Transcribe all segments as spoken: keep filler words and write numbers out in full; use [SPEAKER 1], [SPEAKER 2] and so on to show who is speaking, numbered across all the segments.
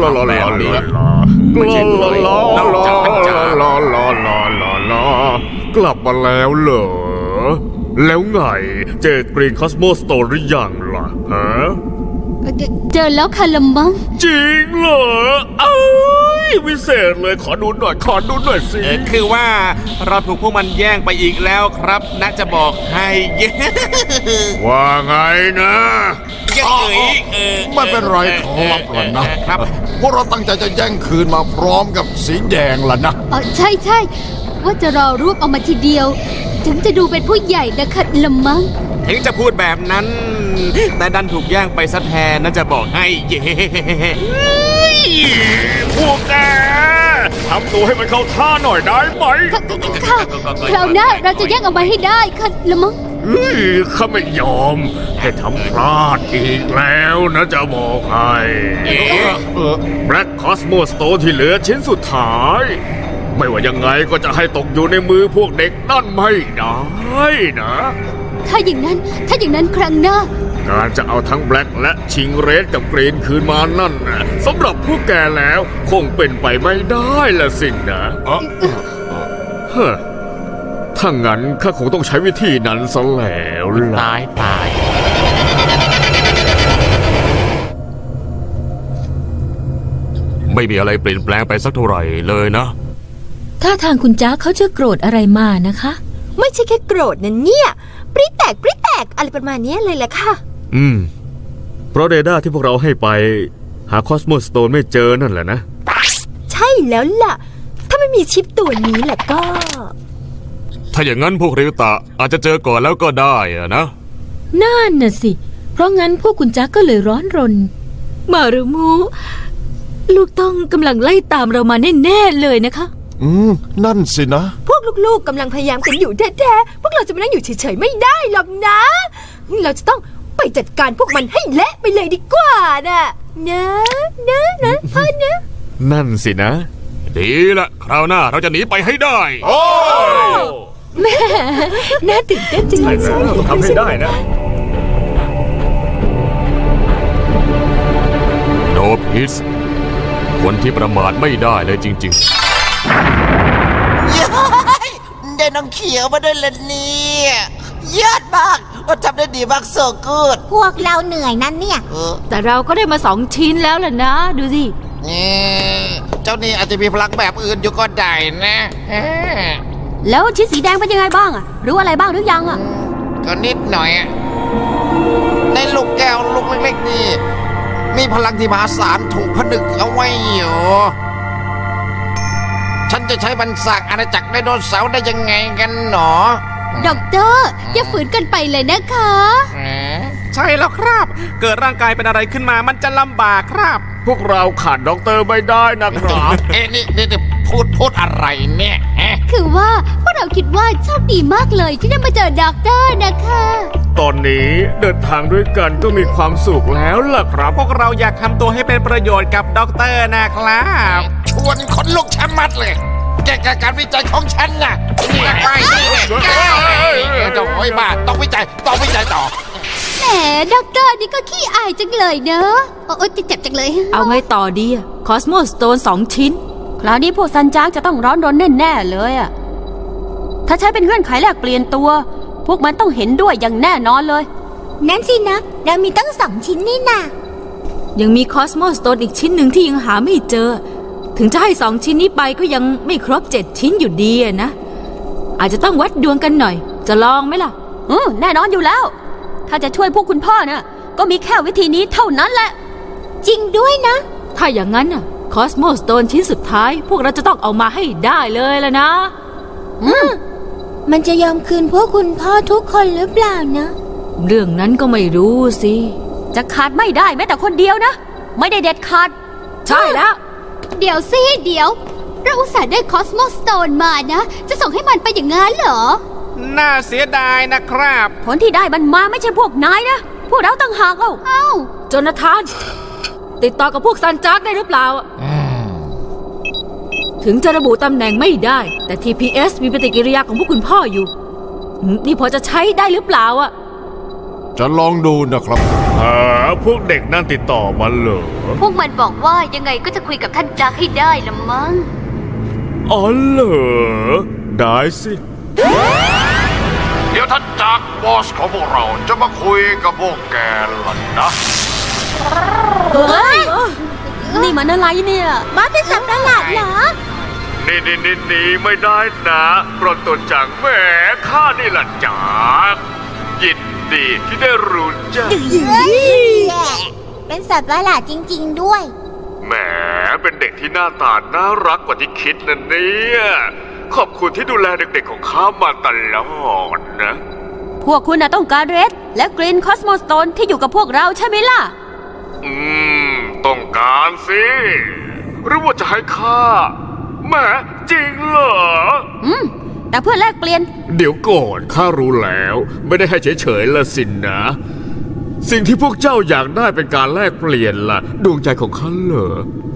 [SPEAKER 1] ลาลาลาลาลาไม่ใช่ลาลาลาลาลาลาลาลาลาลากลับมาแล้วเหรอแล้วไงเจอกรีนคอสโมสโตนหรือยังล่ะฮะ
[SPEAKER 2] เจเจอแล้วค่ะละมัง
[SPEAKER 1] จริงเหรอเอ้ยวิเศษเลยขอดูหน่อยขอดูหน่อยสิ
[SPEAKER 3] เออคือว่าเราถูกพวกมันแย่งไปอีกแล้วครับน่าจะบอกให้ เย้
[SPEAKER 1] ว่าไงนะ
[SPEAKER 3] เย้ยเออ
[SPEAKER 4] ไม่เป็นไรขอรับหล่ะนะครับ พวกเราตั้งใจจะแย่งคืนมาพร้อมกับสีแดงล่ะนะ
[SPEAKER 2] อ๋อใช่ใช่ว่าจะรอรวบเอามาทีเดียว ถึงจะดูเป็นผู้ใหญ่นะคะละมัง
[SPEAKER 3] ถึงจะพูดแบบนั้น แต่ดันถูกแย่งไปซะแทนน่าจะบอกให้ เย้
[SPEAKER 1] พวกแกทำตัวให้มันเข้าท่าหน่อยได้ไหม
[SPEAKER 2] ค่ะค่ะคราวหน้าเราจะแย่งเอามาให้ได้ค่ะละมัง
[SPEAKER 1] เฮ้ยข้าไม่ยอมให้ทำพลาดอีกแล้วนะจะบอกให้
[SPEAKER 4] เออ
[SPEAKER 1] แบล็กคอสโมสโตที่เหลือชิ้นสุดท้าย ไม่ว่ายังไงก็จะให้ตกอยู่ในมือพวกเด็กนั่นไม่ได้นะ
[SPEAKER 2] ถ้าอย่างนั้นถ้าอย่างนั้นครั้งหน้า
[SPEAKER 1] การจะเอาทั้งแบล็กและชิงเรดกับกรีนคืนมานั่นนะสำหรับพวกแกแล้วคงเป็นไปไม่ได้ละสินะ
[SPEAKER 4] เออ
[SPEAKER 1] เฮ้อถ้างั้นข้าคงต้องใช้วิธีนั้นซะแล้วล่ะ
[SPEAKER 3] ตายตาย
[SPEAKER 5] ไม่มีอะไรเปลี่ยนแปลงไปสักเท่าไหร่เลยนะ
[SPEAKER 6] ถ้าทางคุณจ้าเขาจะโกรธอะไรมานะคะ
[SPEAKER 7] ไม่ใช่แค่โกรธนะเนี่ย ปริแตกปริแตกอะไรประมาณเนี้ยเลยแหละค่ะ
[SPEAKER 1] อืม เพราะเรดาร์ที่พวกเราให้ไป หาคอสโมสโตนไม่เจอนั่นแหละนะ
[SPEAKER 7] ใช่แล้วล่ะ ถ้าไม่มีชิปตัวนี้แหละก็
[SPEAKER 5] ถ้าอย่างนั้นพวกริวตะอาจจะเจอก่อนแล้วก็ได้อะนะ
[SPEAKER 6] นั่นน่ะสิ เพราะงั้นพวกคุณจ้าก็เลยร้อนรน มารุมู ลูกต้องกำลังไล่ตามเรามาแน่ๆเลยนะคะ
[SPEAKER 4] อืม นั่นสินะ
[SPEAKER 7] พวกลูกๆกำลังพยายามกันอยู่แท้ๆพวกเราจะมานั่งอยู่เฉยๆไม่ได้หรอกนะ เราจะต้องไปจัดการพวกมันให้เละไปเลยดีกว่านะนะนะนะพ่อนะ
[SPEAKER 1] นั่นสินะ
[SPEAKER 5] ดีละคราวหน้าเราจะหนีไปให้ได้
[SPEAKER 1] โอ้
[SPEAKER 7] น่าตื่นเต้นจังเลย
[SPEAKER 1] ใช่แล้วต้องทำให้ได้นะ
[SPEAKER 5] โนพิสคนที่ประมาทไม่ได้เลยจริง
[SPEAKER 8] ย้ายได้น้องเขียวมาด้วยละเนี่ยยอดมากว่าทำได้ดีมากโซกูด
[SPEAKER 7] พวกเราเหนื่อยนั่นเนี่ย
[SPEAKER 8] เออ
[SPEAKER 6] แต่เราก็ได้มาสองชิ้นแล้วล่ะนะ ดูสิ
[SPEAKER 8] นี่เจ้านี่อาจจะมีพลังแบบอื่นอยู่ก็ได้นะฮะ
[SPEAKER 6] แล้วชิ้นสีแดงเป็นยังไงบ้างอะรู้อะไรบ้างหรือยังอะ
[SPEAKER 8] ก็นิดหน่อยอะในลูกแก้วลูกเล็กๆนี่ มีพลังที่มหาศาลถูกผนึกเอาไว้อยู่ ฉันจะใช้บรรษากอาณาจักรไดโนเสาร์ได้ยังไงกันหนอ
[SPEAKER 2] ด็อกเตอร์อย่าฝืนกันไปเลยนะคะ
[SPEAKER 3] ใช่แล้วครับ เกิดร่างกายเป็นอะไรขึ้นมามันจะลำบากครับ
[SPEAKER 1] พวกเราขาดด็อกเตอร์ไม่ได้นะครับ
[SPEAKER 8] เอ๊ะนี่นี่นี่พูดพูดอะไรเนี่ยฮะ
[SPEAKER 2] คือว่าพวกเราคิดว่าโชคดีมากเลยที่ได้มาเจอด็อกเตอร์นะคะ
[SPEAKER 1] ตอนนี้เดินทางด้วยกันก็มีความสุขแล้วล่ะครับ
[SPEAKER 3] พวกเราอยากทำตัวให้เป็นประโยชน์กับด็อกเตอร์นะครับ
[SPEAKER 8] ชวนคนลุกชะมัดเลยแกกับการวิจัยของฉันน่ะนี่ไปนี่เนี่ยโอ้ยบ้าต้องวิจัยต้องวิจัยต่อ
[SPEAKER 2] แหมด็อกเตอร์นี่ก็ขี้อายจังเลยเนอะโอ้ยเจ็บจังเลย
[SPEAKER 6] เอาไงต่อดีอะคอสโมสโตนสองชิ้น คราวนี้พวกซันจ้าจะต้องร้อนรนแน่ๆเลยอะถ้าใช้เป็นเงื่อนไขแลกเปลี่ยนตัว พวกมันต้องเห็นด้วยอย่างแน่นอนเลย
[SPEAKER 7] นั่นสินะ เรามีตั้งสองชิ้นนี่นะ
[SPEAKER 6] ยังมีคอสโมสโตนอีกชิ้นหนึ่งที่ยังหาไม่เจอ
[SPEAKER 9] ถึงจะให้สองชิ้นนี้ไปก็ยังไม่ครบเจ็ดชิ้นอยู่ดีอะนะ อาจจะต้องวัดดวงกันหน่อย จะลองไหมล่ะ
[SPEAKER 6] อืมแน่นอนอยู่แล้ว ถ้าจะช่วยพวกคุณพ่อน่ะก็มีแค่วิธีนี้เท่านั้นแหละ
[SPEAKER 2] จริงด้วยนะ
[SPEAKER 9] ถ้าอย่างนั้นน่ะคอสโมสโตนชิ้นสุดท้าย พวกเราจะต้องเอามาให้ได้เลยล่ะนะ
[SPEAKER 2] มันจะยอมคืนพวกคุณพ่อทุกคนหรือเปล่านะ
[SPEAKER 9] เรื่องนั้นก็ไม่รู้สิ
[SPEAKER 6] จะขาดไม่ได้แม้แต่คนเดียวนะ ไม่ได้เด็ดขาด
[SPEAKER 9] ใช่แล้ว
[SPEAKER 2] เดี๋ยวสิเดี๋ยว เราอุตส่าห์ได้คอสโมสโตนมานะ จะส่งให้มันไปอย่างงั้นเหรอ
[SPEAKER 3] น่าเสียดายนะครับ
[SPEAKER 6] ผลที่ได้มันมาไม่ใช่พวกนายนะ พวกเราต่างหากเอ้า
[SPEAKER 2] เอ้า
[SPEAKER 9] โจนาธาน ติดต่อกับพวกซันจักได้หรือเปล่า ถึงจะระบุตำแหน่งไม่ได้ แต่ ที พี เอส มีปฏิกิริยาของพวกคุณพ่ออยู่อืมนี่พอจะใช้ได้หรือเปล่าอะ
[SPEAKER 4] จะลองดูนะครับ
[SPEAKER 1] หาพวกเด็กนั่นติดต่อมาเหรอ
[SPEAKER 2] พวกมันบอกว่ายังไงก็จะคุยกับท่านจักให้ได้ละมั้ง
[SPEAKER 1] อ๋อเหรอ ได้สิ
[SPEAKER 4] เดี๋ยวท่านจากบอสของพวกเราจะมาคุยกับพวกแกล่ะนะ
[SPEAKER 6] เฮ้ย นี่มันอะไรเนี่ย
[SPEAKER 2] มาเป็นสัตว์ประหลาดเหรอ
[SPEAKER 1] นี่นี่นี่นี่ไม่ได้นะโปรดตัวจังแหมข้านี่แหละจากยินดีที่ได้รู้จัก
[SPEAKER 2] เป็นสัตว์ประหลาดจริงๆด้วย
[SPEAKER 1] แหมเป็นเด็กที่หน้าตาน่ารักกว่าที่คิดนะเนี่ยขอบคุณที่ดูแลเด็กๆของข้ามาตลอดนะ
[SPEAKER 6] พวกคุณน่ะต้องการเรดและกรีนคอสโมสโตนที่อยู่กับพวกเราใช่ไหมล่ะ
[SPEAKER 1] อืม ต้องการสิหรือว่าจะให้ข้าแหมจริงเหรอ
[SPEAKER 6] อืม แต่เพื่อแลกเปลี่ยน
[SPEAKER 1] เดี๋ยวก่อนข้ารู้แล้ว ไม่ได้ให้เฉยๆละสินนะ สิ่งที่พวกเจ้าอยากได้เป็นการแลกเปลี่ยนล่ะ ดวงใจของข้าเหรอ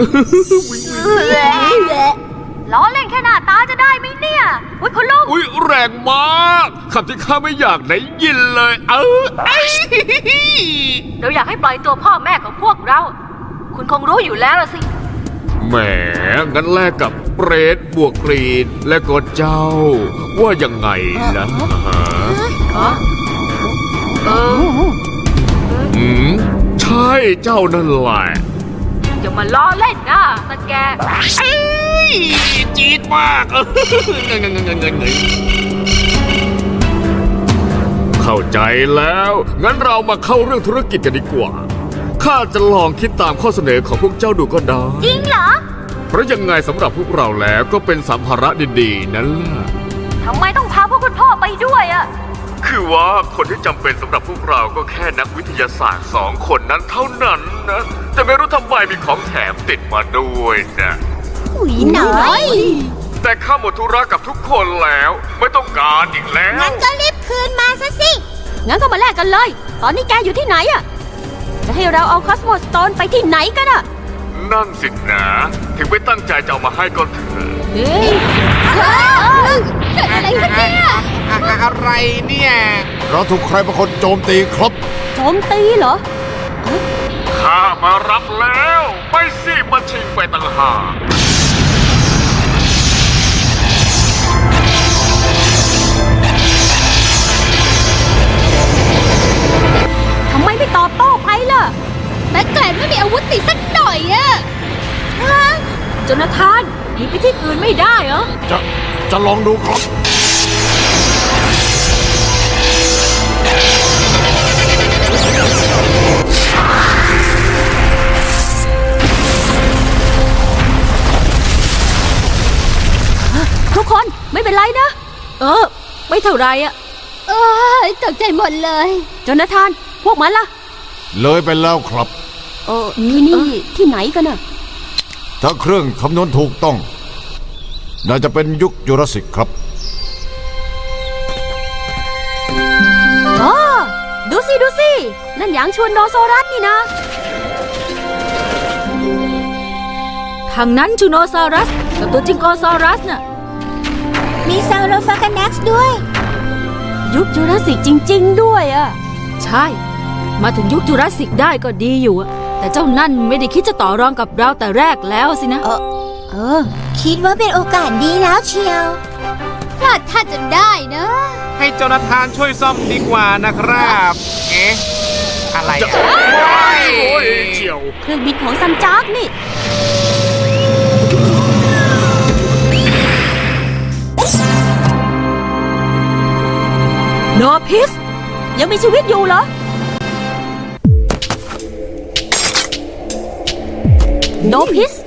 [SPEAKER 6] ล้อเล่นแค่หน้าตาจะได้ไหมเนี่ยอุ้ยคุณลุง
[SPEAKER 1] อุ๊ยแรงมากคำที่ข้าไม่อยากได้ยินเลย เออไอ้
[SPEAKER 9] เราอยากให้ปล่อยตัวพ่อแม่ของพวกเรา คุณคงรู้อยู่แล้วล่ะสิ
[SPEAKER 1] แหมงั้นแลกกับเปรตบวกกรีนและก็เจ้า ว่ายังไงล่ะฮะ
[SPEAKER 9] เออ
[SPEAKER 1] อืมใช่เจ้านั่นแหละ
[SPEAKER 9] อย่ามาล้อเล่นนะตะแก
[SPEAKER 1] จี๊ดมากเออเงยเงยเงยเงยเงยเข้าใจแล้ว งั้นเรามาเข้าเรื่องธุรกิจกันดีกว่า ข้าจะลองคิดตามข้อเสนอของพวกเจ้าดูก็ได้
[SPEAKER 2] จริงเหรอ
[SPEAKER 1] เพราะยังไงสำหรับพวกเราแล้วก็เป็นสัมภาระดีๆนั่นแหละ
[SPEAKER 6] ทำไมต้องพาพวกคุณพ่อไปด้วยอะ
[SPEAKER 1] คือว่าคนที่จำเป็นสำหรับพวกเราก็แค่นักวิทยาศาสตร์สองคนนั้นเท่านั้นนะ แต่ไม่รู้ทำไมมีของแถมติดมาด้วยนะ
[SPEAKER 2] อุ้ยหน่อย
[SPEAKER 1] แต่ข้าหมดธุระกับทุกคนแล้ว ไม่ต้องการอีกแล้ว
[SPEAKER 2] งั้นก็รีบคืนมาซะสิ
[SPEAKER 6] งั้นก็มาแลกกันเลย ตอนนี้แกอยู่ที่ไหนอะจะให้เราเอาคอสโมสโตนไปที่ไหนกันอะ
[SPEAKER 1] นั่นสินะ ถึงไม่ตั้งใจจะเอามาให้ก็เถอะ
[SPEAKER 6] เฮ้ย
[SPEAKER 2] เกิดอะไรขึ้นเนี่ย
[SPEAKER 3] อะไรเนี่ย
[SPEAKER 4] เราถูกใครบางคนโจมตีครับ
[SPEAKER 6] โจมตีเหรอ
[SPEAKER 1] ข้ามารับแล้วไม่สิมาชิงไปต่างหาก
[SPEAKER 6] ทำไมไม่ตอบโต้ไปล่ะ
[SPEAKER 2] แบ็คแกลนไม่มีอาวุธติดสักหน่อยอะ
[SPEAKER 9] โจนาธานหนีไปที่อื่นไม่ได้เหรอ
[SPEAKER 4] จะจะลองดูครับ
[SPEAKER 6] ทุกคนไม่เป็นไรนะ
[SPEAKER 9] เออ ไม่เท่าไรอะ
[SPEAKER 2] เออตกใจหมดเลย
[SPEAKER 6] โจนาธาน พวกมันล่ะ
[SPEAKER 4] เลยไปแล้วครับ
[SPEAKER 6] เออที่นี่ที่ไหนกันอะ
[SPEAKER 4] ถ้าเครื่องคำนวณถูกต้อง น่าจะเป็นยุคจูราสสิกครับ
[SPEAKER 6] อ๋อดูสิ ดูสิ นั่นหยางชวนโนโซรัสนี่นะ
[SPEAKER 9] ทางนั้นจูโนซอรัส กับตัวจิงโกซอรัสน่ะ
[SPEAKER 2] มีซาวโรฟาคานักซ์ด้วย
[SPEAKER 6] ยุคจูราสสิกจริง ๆ ด้วยอะ
[SPEAKER 9] ใช่ มาถึงยุคจูราสสิกได้ก็ดีอยู่อะแต่เจ้านั่นไม่ได้คิดจะต่อรองกับเราแต่แรกแล้วสินะ
[SPEAKER 6] เออ เออ
[SPEAKER 2] คิดว่าเป็นโอกาสดีแล้วเชียวพลาดท่าจนได้นะ
[SPEAKER 3] ให้โจนาธานช่วยซ่อมดีกว่านะครับ เอ๊ะ อะไรอะ
[SPEAKER 1] โอ้ยเฉียว
[SPEAKER 6] เครื่องบินของซันจากนี่
[SPEAKER 1] เ
[SPEAKER 6] โนพิสยังมีชีวิตอยู่เหรอ โนพิส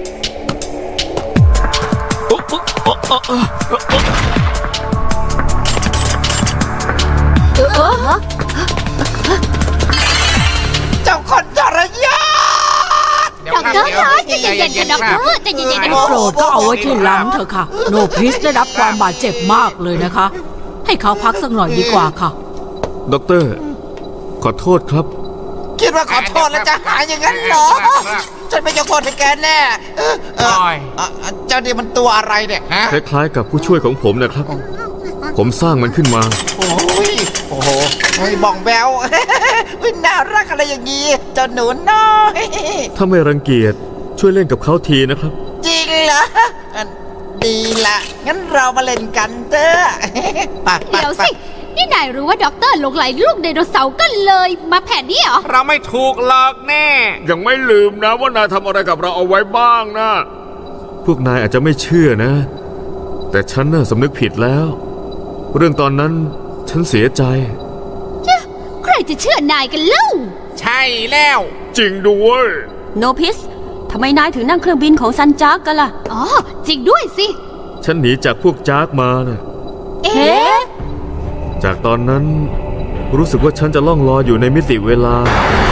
[SPEAKER 8] เจ้าคนทรยศ
[SPEAKER 2] ด็อกเตอร์คะใจเย็นๆค่ะด็อกเตอร์ใจเย็นๆนะ
[SPEAKER 9] โปรดก็เอาไว้ที่หลังเถอะค่ะ โนพิสได้รับความบาดเจ็บมากเลยนะคะ ให้เขาพักสักหน่อยดีกว่าค่ะ
[SPEAKER 1] ด็อกเตอร์ ขอโทษครับ
[SPEAKER 8] คิดว่าขอโทษแล้วจะหายอย่างนั้นเหรอ ฉันไม่ยกโทษให้แกแน่เออเออเอ่อเจ้านี่มันตัวอะไรเนี่ยฮะ
[SPEAKER 1] คล้ายๆกับผู้ช่วยของผมนะครับ ผมสร้างมันขึ้นมา
[SPEAKER 8] โอ้ยโอ้โหเฮ้ยบ้องแบว อุ๊ยน่ารักอะไรอย่างงี้เจ้าหนูน้อย
[SPEAKER 1] ถ้าไม่รังเกียจช่วยเล่นกับเขาทีนะครับ
[SPEAKER 8] จริงเหรออ่ะดีละงั้นเรามาเล่นกันเถอะไปไป
[SPEAKER 2] เดี๋ยว
[SPEAKER 8] ไป
[SPEAKER 2] สิ นี่นายรู้ว่าด็อกเตอร์หลงไหลลูกไดโนเสาร์ก็เลยมาแผนนี้เหรอ
[SPEAKER 3] เราไม่ถูกหลอกแน่
[SPEAKER 1] ยังไม่ลืมนะว่านายทำอะไรกับเราเอาไว้บ้างนะ พวกนายอาจจะไม่เชื่อนะ แต่ฉันน่ะสำนึกผิดแล้ว เรื่องตอนนั้นฉันเสียใจ
[SPEAKER 2] ใครจะเชื่อนายกันเล่า
[SPEAKER 3] ใช่แล้ว
[SPEAKER 1] จริงด้วย
[SPEAKER 6] โนพิสทำไมนายถึงนั่งเครื่องบินของซันจากกันล่ะ
[SPEAKER 2] อ๋อ จริงด้วยสิ
[SPEAKER 1] ฉันหนีจากพวกจากมานะ
[SPEAKER 2] เอ๊
[SPEAKER 6] เอ๊ะ
[SPEAKER 1] จากตอนนั้นรู้สึกว่าฉันจะล่องลอยอยู่ในมิติเวลา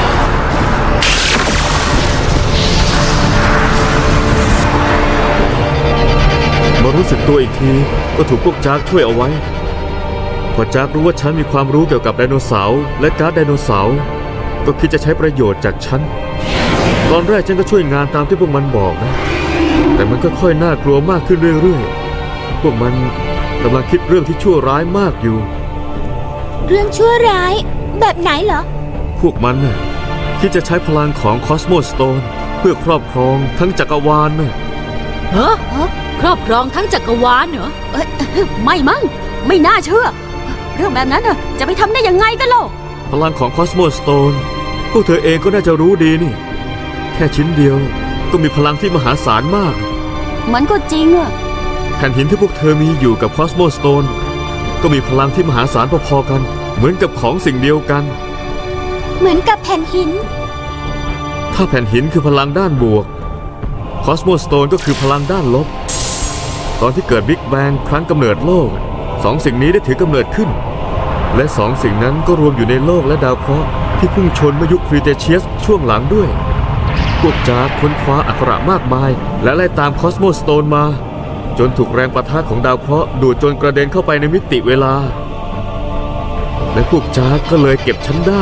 [SPEAKER 1] มารู้สึกตัวอีกทีก็ถูกพวกจากช่วยเอาไว้ พอจากรู้ว่าฉันมีความรู้เกี่ยวกับไดโนเสาร์และการ์ดไดโนเสาร์ก็คิดจะใช้ประโยชน์จากฉัน ตอนแรกฉันก็ช่วยงานตามที่พวกมันบอกนะ แต่มันก็ค่อยน่ากลัวมากขึ้นเรื่อยๆ พวกมันกำลังคิดเรื่องที่ชั่วร้ายมากอยู่
[SPEAKER 2] เรื่องชั่วร้าย แบบไหนเหรอ
[SPEAKER 1] พวกมันน่ะคิดจะใช้พลังของคอสโมสโตนเพื่อครอบครองทั้งจักรวาลน่ะ
[SPEAKER 9] ฮะครอบครองทั้งจักรวาลเหรอ
[SPEAKER 6] เอ้ยไม่มั้งไม่น่าเชื่อ เรื่องแบบนั้นน่ะจะไปทำได้ยังไงกันล่ะ
[SPEAKER 1] พลังของคอสโมสโตนพวกเธอเองก็น่าจะรู้ดีนี่ แค่ชิ้นเดียวก็มีพลังที่มหาศาลมาก
[SPEAKER 6] มันก็จริงอะ
[SPEAKER 1] แผ่นหินที่พวกเธอมีอยู่กับคอสโมสโตนก็มีพลังที่มหาศาลพอๆกัน เหมือนกับของสิ่งเดียวกัน
[SPEAKER 2] เหมือนกับแผ่นหิน
[SPEAKER 1] ถ้าแผ่นหินคือพลังด้านบวกคอสโมสโตนก็คือพลังด้านลบ ตอนที่เกิดบิ๊กแบงครั้งกำเนิดโลกสองสิ่งนี้ได้ถือกำเนิดขึ้น และสองสิ่งนั้นก็รวมอยู่ในโลกและดาวเคราะห์ที่พุ่งชนเมื่อยุคครีเทเชียสช่วงหลังด้วย พวกจากค้นคว้าอักขระมากมาย และไล่ตามคอสโมสโตนมา จนถูกแรงประทะของดาวเคราะห์ดูดจนกระเด็นเข้าไปในมิติเวลา และพวกจากก็เลยเก็บฉันได้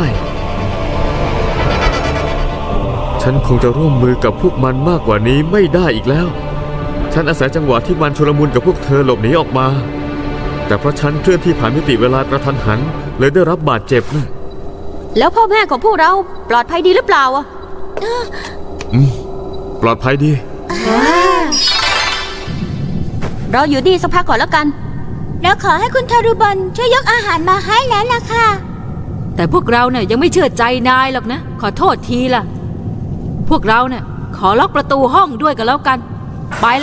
[SPEAKER 1] ฉันคงจะร่วมมือกับพวกมันมากกว่านี้ไม่ได้อีกแล้ว ฉันอาศัยจังหวะที่มันชุลมุนกับพวกเธอหลบหนีออกมา แต่เพราะฉันเคลื่อนที่ผ่านมิติเวลากระทันหันเลยได้รับบาดเจ็บนะ
[SPEAKER 6] แล้วพ่อแม่ของพวกเราปลอดภัยดีหรือเปล่าอะ
[SPEAKER 1] ปลอดภัยดี
[SPEAKER 6] เราอยู่ดีสักพักก่อนแล้วกัน
[SPEAKER 2] แล้วขอให้คุณทารุบันช่วยยกอาหารมาให้แล้วล่ะค่ะ
[SPEAKER 9] แต่พวกเราเนี่ยยังไม่เชื่อใจนายหรอกนะ ขอโทษทีล่ะ พวกเราเนี่ยขอล็อกประตูห้องด้วยกันแล้วกัน ไปละ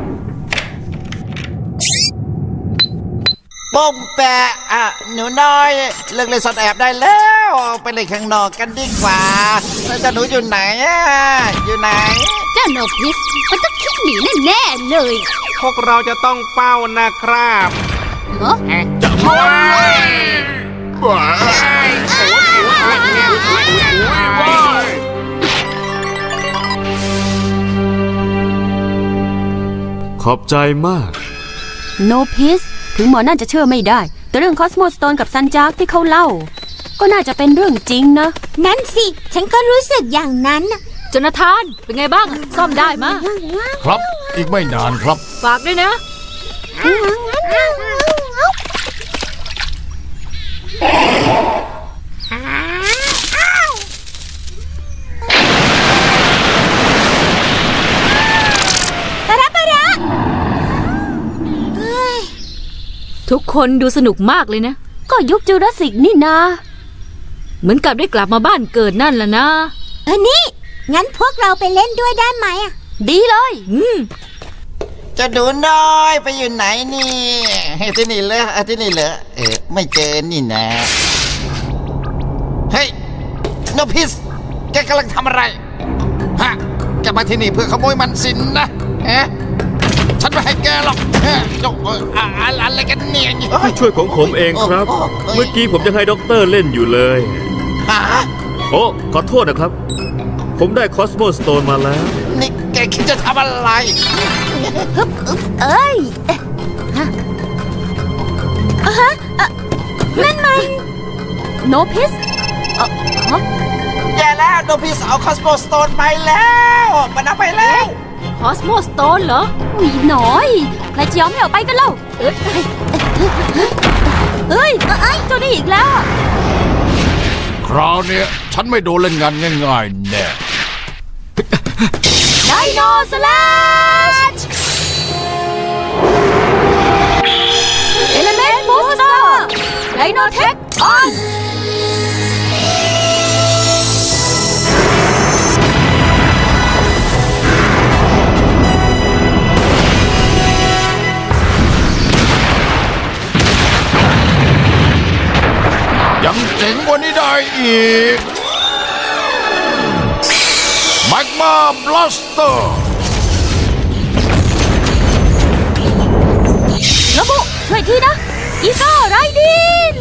[SPEAKER 8] ปุ้มแปะอ่ะหนูน้อยเลิกเล่นซ่อนแอบได้แล้วไปเล่นข้างนอกกันดีกว่าแล้วเจ้าหนูอยู่ไหนอ่ะอยู่ไหน
[SPEAKER 2] เจ้าโนพิสมันต้องคิดหนีแน่ๆเลย
[SPEAKER 3] พวกเราจะต้องเฝ้านะครับ
[SPEAKER 2] เหรอ
[SPEAKER 3] เอ๊ะ
[SPEAKER 1] ขอบใจมาก
[SPEAKER 6] โนพิสถึงหมอนั่นจะเชื่อไม่ได้ แต่เรื่องคอสโมสโตนกับซันจากที่เขาเล่า ก็น่าจะเป็นเรื่องจริงนะ
[SPEAKER 2] นั่นสิ ฉันก็รู้สึกอย่างนั้น
[SPEAKER 9] จนาธาน เป็นไงบ้าง ซ่อมได้มะ
[SPEAKER 4] ครับ อีกไม่นานครับ
[SPEAKER 9] ฝากด้วยนะ ทุกคนดูสนุกมากเลยนะ
[SPEAKER 6] ก็ยุคจูราสสิกนี่นา
[SPEAKER 9] เหมือนกับได้กลับมาบ้านเกิดนั่นล่ะนะ
[SPEAKER 2] เออนี่ งั้นพวกเราไปเล่นด้วยได้ไหมอ่ะ
[SPEAKER 6] ดีเลย
[SPEAKER 9] อืม
[SPEAKER 8] จะดูน้อยไปอยู่ไหนนี่เฮ้ยที่นี่เหรออ่ะที่นี่เหรอเออไม่เจอนี่นะ เฮ้ยโนพิสแกกำลังทำอะไร ฮะ แกมาที่นี่เพื่อขโมยมันสินนะเอ๊ะฉันไม่ให้แกหรอกเฮ้ยยกเอ่ออะอะอะไรกันเนี่ย
[SPEAKER 1] ผู้ช่วยของผมเองครับ เมื่อกี้ผมยังให้ด็อกเตอร์เล่นอยู่เลย
[SPEAKER 8] ฮะ
[SPEAKER 1] โอ้ขอโทษนะครับ ผมได้คอสโมสโตนมาแล้ว
[SPEAKER 8] นี่แกคิดจะทำอะไร
[SPEAKER 6] เอ้ยฮะอ่ะฮะอ่ะนั่นมันโนพิสเอ่อฮะ
[SPEAKER 8] แย่แล้วโนพิสเอาคอสโมสโตนไปแล้วมันเอาไปแล้ว
[SPEAKER 9] คอสโมสโตนเหรอ
[SPEAKER 6] อุ๊ยหน่อย ใครจะยอมให้ออกไปกันเล่าเอ้ยเอ้ยเอ้ยเจ้านี่อีกแล้ว
[SPEAKER 4] คราวเนี้ยฉันไม่โดนเล่นงานง่ายๆแน่
[SPEAKER 6] ไดโนสแลชเอลเมนต์บูสเตอร์ไดโนเทคออน
[SPEAKER 4] ยังเจ๋งกว่านี้ได้อีกแมกมาบลัสเตอร์
[SPEAKER 6] ระบุช่วยทีนะ อีโก้ไรดิน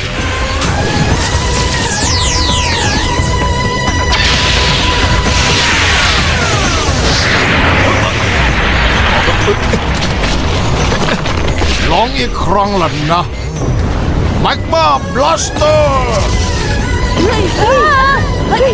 [SPEAKER 4] ลองอีกครั้งล่ะนะแมกมาบลัสเตอร์
[SPEAKER 6] เฮ้ยเฮ้ยเฮ้ย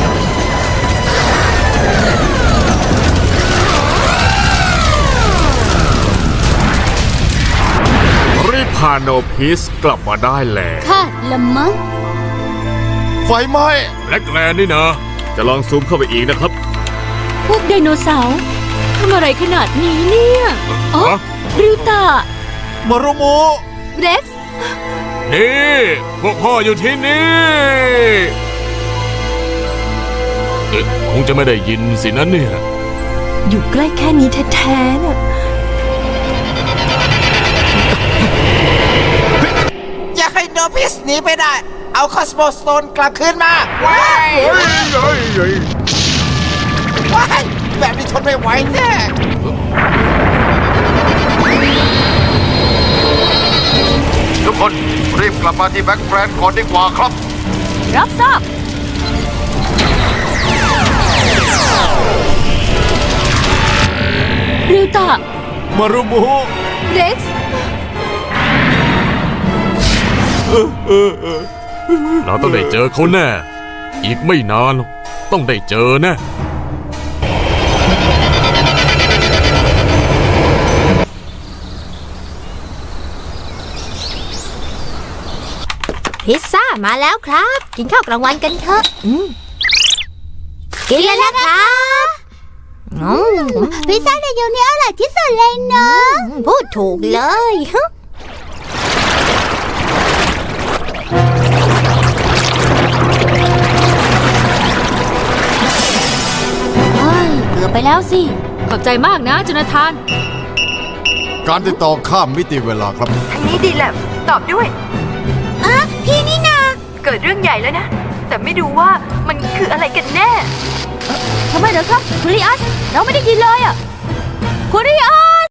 [SPEAKER 1] รีบพาโนพิสกลับมาได้แล้ว
[SPEAKER 2] ค่ะละมั้ง
[SPEAKER 4] ไฟไหม้
[SPEAKER 5] แบล็กแลนด์นี่นะ
[SPEAKER 1] จะลองซูมเข้าไปอีกนะครับ
[SPEAKER 9] พวกไดโนเสาร์ทำอะไรขนาดนี้เนี่ยอ๋อ
[SPEAKER 5] ฮะ
[SPEAKER 9] ริวตา
[SPEAKER 4] มารุโม
[SPEAKER 7] เร็กซ์
[SPEAKER 5] นี่ พวกพ่ออยู่ที่นี่เอ๊ะคงจะไม่ได้ยินสินะเนี่ย
[SPEAKER 7] อยู่ใกล้แค่นี้แท้ๆน่ะ
[SPEAKER 8] อย่าให้โนพิสหนีไปได้ เอาคอสโมสโตนกลับคืนมาว้ายว้ายแบบนี้ทนไม่ไหวแน่
[SPEAKER 4] ทุกคนรีบกลับมาที่แบ็กแฟรนก่อนดีกว่าครับ
[SPEAKER 6] รับทราบ
[SPEAKER 9] ริวตา
[SPEAKER 4] มารุโม
[SPEAKER 7] เร็กซ์
[SPEAKER 5] เราต้องได้เจอเขาแน่ อีกไม่นานหรอกต้องได้เจอแน่
[SPEAKER 7] พิซซ่ามาแล้วครับ กินข้าวกลางวันกันเถอะอืมกินเลยนะครับพิซซ่าในยูนี้อร่อยที่สุดเลยเนาะพูดถูกเลยฮะ
[SPEAKER 6] เฮ้ยเกือบไปแล้วสิ
[SPEAKER 9] ขอบใจมากนะจูนาธาน
[SPEAKER 4] การติดต่อข้ามมิติเวลาครับ
[SPEAKER 7] ทางนี้ดีแหละตอบด้วยอ่ะพี่นี่นาเกิดเรื่องใหญ่แล้วนะ แต่ไม่รู้ว่ามันคืออะไรกันแน่
[SPEAKER 6] ทำไมเหรอครับคุณริอัส เราไม่ได้ยินเลยอ่ะคุณริอัส